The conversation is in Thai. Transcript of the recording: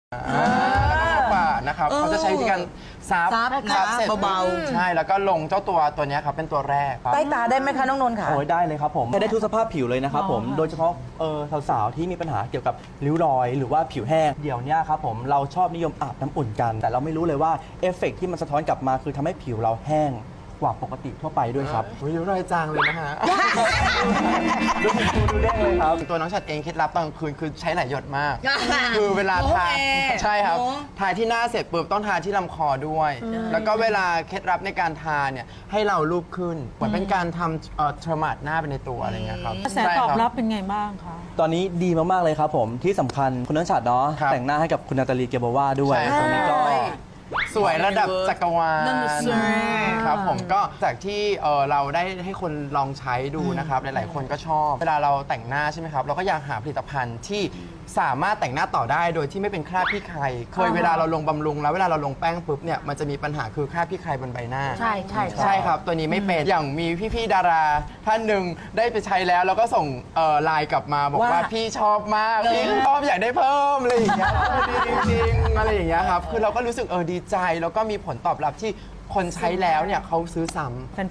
แล้วก็ป่านะครับเขาจะใช้วิธีการซับเสร็จเบาๆใช่แล้วก็ลงเจ้าตัวนี้ครับเป็นตัวแรกครับใต้ตาได้ไหมคะน้องนนท์ค่ะโอ้ยได้เลยครับผมใช้ได้ทุกสภาพผิวเลยนะครับผมโดยเฉพาะสาวๆที่มีปัญหาเกี่ยวกับริ้วรอยหรือว่าผิวแห้งเดี๋ยวนี้ครับผมเราชอบนิยมอาบน้ำอุ่นกัน แต่เราไม่รู้เลยว่าเอฟเฟกต์ที่มันสะท้อนกลับมาคือทำให้ผิวเราแห้งกว่าปกติทั่วไปด้วยครับริ้วรอยจางเลยนะฮะดูได้เลยครับตัวน้องฉัดเองเคล็ดลับตอนกลางคืนคือใช้หลายหยดมาก คือเวลาทาใช่ครับทาที่หน้าเสร็จปุ๊บต้องทาที่ลำคอด้วย แล้วก็เวลาเคล็ดลับในการทาเนี่ยให้เราลูบขึ้นเหมือนเป็นการทำเทอร์มาดหน้าไปในตัวอะไรเงี้ยครับกระแสตอบรับเป็นไงบ้างคะตอนนี้ดีมากๆเลยครับผมที่สำคัญคุณนันชัดเนาะครับแต่งหน้าให้กับคุณนาตาลีเกเบวาด้วยใช่ครับตอนนี้ก็สวยระดับจักรวาลนั่นน่ะสิครับผมก็จากที่เราได้ให้คนลองใช้ดูนะครับหลายๆคนก็ชอบ เวลาเราแต่งหน้าใช่ไหมครับเราก็อยากหาผลิตภัณฑ์ที่สามารถแต่งหน้าต่อได้โดยที่ไม่เป็นคราบพี่ใครเคยเวลาเราลงบำรุงแล้วเวลาเราลงแป้งปุ๊บเนี่ยมันจะมีปัญหาคือคราบพี่ใครบนใบหน้าใช่ใช่ใช่ครับตัวนี้ไม่เป็นอย่างมีพี่ๆดาราท่านหนึ่งได้ไปใช้แล้วแล้วก็ส่งไลน์กลับมาบอกว่าพี่ชอบมากพี่ชอบอยากได้เพิ่มอะไรอย่างเงี้ยดีจริงๆอะไรอย่างเงี้ยครับคือเราก็รู้สึกดีใจแล้วก็มีผลตอบรับที่คนใช้แล้วเนี่ยเขาซื้อซ้ำ